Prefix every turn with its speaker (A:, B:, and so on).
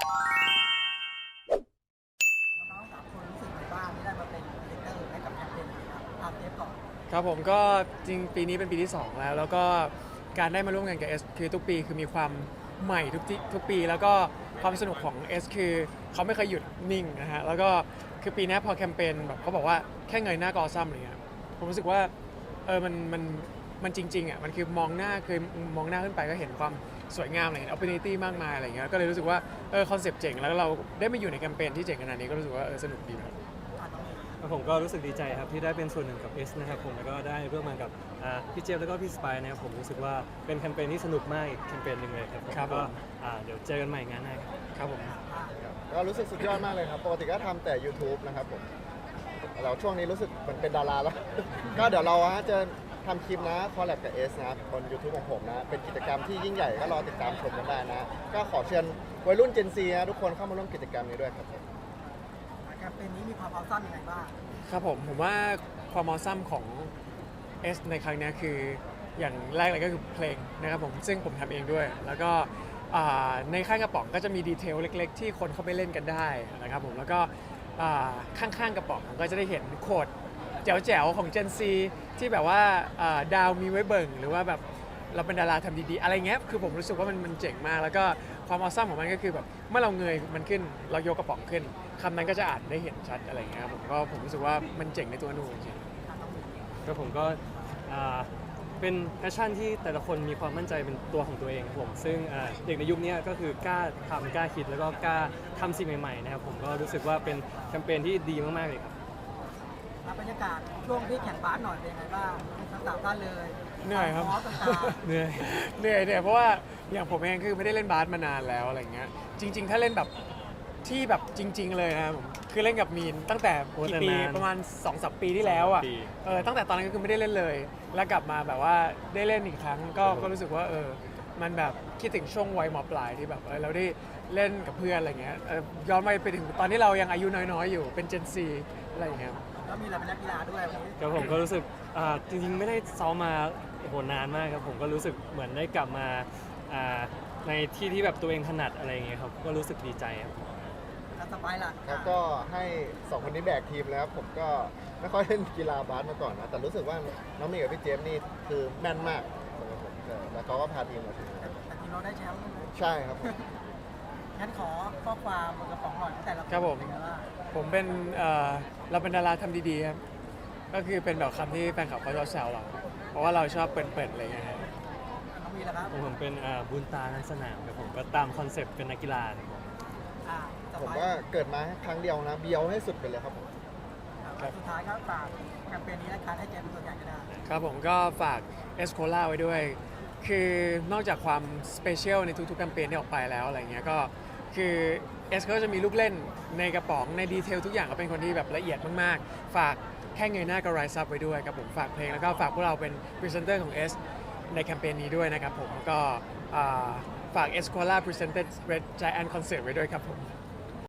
A: น้องๆ3 คนรู้สึกไงบ้างที่ได้มาเป็นพรีเซนเตอร์ให้กับแคมเปญนี้ครับเจฟก่อน
B: ครับผมก็จริงปีนี้เป็นปีที่2แล้วก็การได้มาร่วมงานกับ S คือทุกปีคือมีความใหม่ทุกปีแล้วก็ความสนุกของ S คือเขาไม่เคยหยุดนิ่งนะฮะแล้วก็คือปีนี้พอแคมเปญแบบเขาบอกว่าแค่เงยหน้าก็ออซัมอะไรเงี้ยผมรู้สึกว่ามันจริงๆอ่ะมันคือมองหน้าคือมองหน้าขึ้นไปก็เห็นความสวยงามอะไรเห็น opportunity มากมายอะไรเงี้ยก็เลยรู้สึกว่าคอนเซปต์เจ๋งแล้วเราได้มาอยู่ในแคมเปญที่เจ๋งขนาดนี้ก็รู้สึกว่าสนุกดีครับ
C: ผมก็รู้สึกดีใจครับที่ได้เป็นส่วนหนึ่งกับ S นะครับผมแล้วก็ได้ร่วมงานกับพี่เจฟแล้วก็พี่สไปร์นะครับผมรู้สึกว่าเป็นแคมเปญที่สนุกมากอีกแคมเปญหนึ่งเลยครับผมก็เดี๋ยวเจอกันใหม่งานหน้าครับผม
D: ก็รู้สึกสุดยอดมากเลยครับปกติก็ทำแต่ YouTube นะครับผมเราช่วงนี้รู้สึกเหมือนเป็นดาราแล้ว ก็เดี๋ยวเราจะทำคลิปนะคอลแลบกับ S นะบน YouTube ของผมนะเป็นกิจกรรมที่ยิ่งใหญ่ก็รอติดตามชมกันได้นะก็ขอเชิญวัยรุ่น Gen Z นะทุกคนเข้ามาร่วมกิจกรรมนี้ด้วยครับผม
A: แคมเปญนี้มีความเอาซ้ำยังไงบ้าง
B: ครับผมว่าความมอซัมของ S ในครั้งนี้คืออย่างแรกเลยก็คือเพลงนะครับผมซึ่งผมทำเองด้วยแล้วก็ในข้างกระป๋องก็จะมีดีเทลเล็กๆที่คนเข้าไปเล่นกันได้นะครับผมแล้วก็ข้างๆกระป๋องก็จะได้เห็นโคดแจ๋วๆของ Gen Z ที่แบบว่าดาวมีไว้เบิ่งหรือว่าแบบเราเป็นดาราทำดีๆอะไรเงี้ยคือผมรู้สึกว่ามันเจ๋งมากแล้วก็ความออซัมของมันก็คือแบบเมื่อเราเงยมันขึ้นเรายกกระป๋องขึ้นคำนั้นก็จะอ่านได้เห็นชัดอะไรเงี้ยครับผมรู้สึกว่ามันเจ๋งในตัวหนูจริงๆ
C: ก็ผมก็เป็นแพชชั่นที่แต่ละคนมีความมั่นใจเป็นตัวของตัวเองครับผมซึ่งเด็กในยุคนี้ก็คือกล้าทำกล้าคิดแล้วก็กล้าทำสิ่งใหม่ๆนะครับผมก็รู้สึกว่าเป็นแคมเปญที่ดีมากๆเลยครับ
A: บรรยากาศช่วงที่แข่งบาสหน่อยเป็นยังไงบ้างทั้ง3 ท่านเลย
B: เหนื่อยครับเหนื่อยเพราะว่าอย่างผมเองคือไม่ได้เล่นบาสมานานแล้วอะไรเงี้ยจริงๆถ้าเล่นแบบที่แบบจริงๆเลยนะครับผมคือเล่นกับมีนตั้งแต่กี่ปีประมาณ 2-3 ปีที่แล้วอ่ะตั้งแต่ตอนนั้นก็คือไม่ได้เล่นเลยแล้วกลับมาแบบว่าได้เล่นอีกครั้งก็รู้สึกว่ามันแบบคิดถึงช่วงวัยม.ปลายที่แบบเราได้เล่นกับเพื่อนอะไรเงี้ยย้อนไปถึงตอนที่เรายังอายุน้อยๆอยู่เป็น Gen Z อะไรเงี้ย
A: แล้วมีอะไรเป็นนักกีฬาด้วยวันนี้
C: ครับผมก็รู้สึกจริงๆไม่ได้ซ้อมมาโหนานมากครับผมก็รู้สึกเหมือนได้กลับมาในที่แบบตัวเองถนัดอะไรอย่างเงี้ยครับก็รู้สึกดีใจครับ
A: แล้วสบายล่ะ
D: แล้วก็ให้2คนนี้แบกทีมแล้วผมก็ไม่ค่อยเล่นกีฬาบาสมาก่อนนะแต่รู้สึกว่าน้องมีกับพี่เจฟนี่คือแม่นมากสำหรับผมแล้วเขาก็พาทีมมาถึง
A: แต่ทีมเราได้แชมป์
D: ใช่ครับ
A: งั้นขอข้อความบนกระป๋องหน่อยแต่ละคน
B: ครับผมเป็นเราเป็นดาราทำดีๆครับก็คือเป็นแบบคำที่แฟนคลับเขาชอบแซวเราเพราะว่าเราชอบเปิดๆอะไรเงี้ยครับ
A: น้องมีแล้วครับ
C: ผมเป็นบุญตาในสนามครับผมก็ตามคอนเซปต์เป็นนักกีฬา
D: ผมว่าเกิดมาครั้งเดียวนะเบียวให้สุดไปเลยครับผม
A: สุดท้ายครับฝากแคมเปญนี้นะครับให้เจมเป็นตัวอย่างก็ได้
B: ครับผมก็ฝากเอสโคล่าไว้ด้วยคือนอกจากความสเปเชียลในทุกๆแคมเปญที่ออกไปแล้วอะไรเงี้ยก็คือเอสก็จะมีลูกเล่นในกระป๋องในดีเทลทุกอย่างก็เป็นคนที่แบบละเอียดมากๆฝากแค่เงยหน้าก็ไรซับไว้ด้วยครับผมฝากเพลงแล้วก็ฝากพวกเราเป็นพรีเซนเตอร์ของ S ในแคมเปญนี้ด้วยนะครับผมก็ฝาก Escola Presented Red Giant Concert ไว้ด้วยครับผม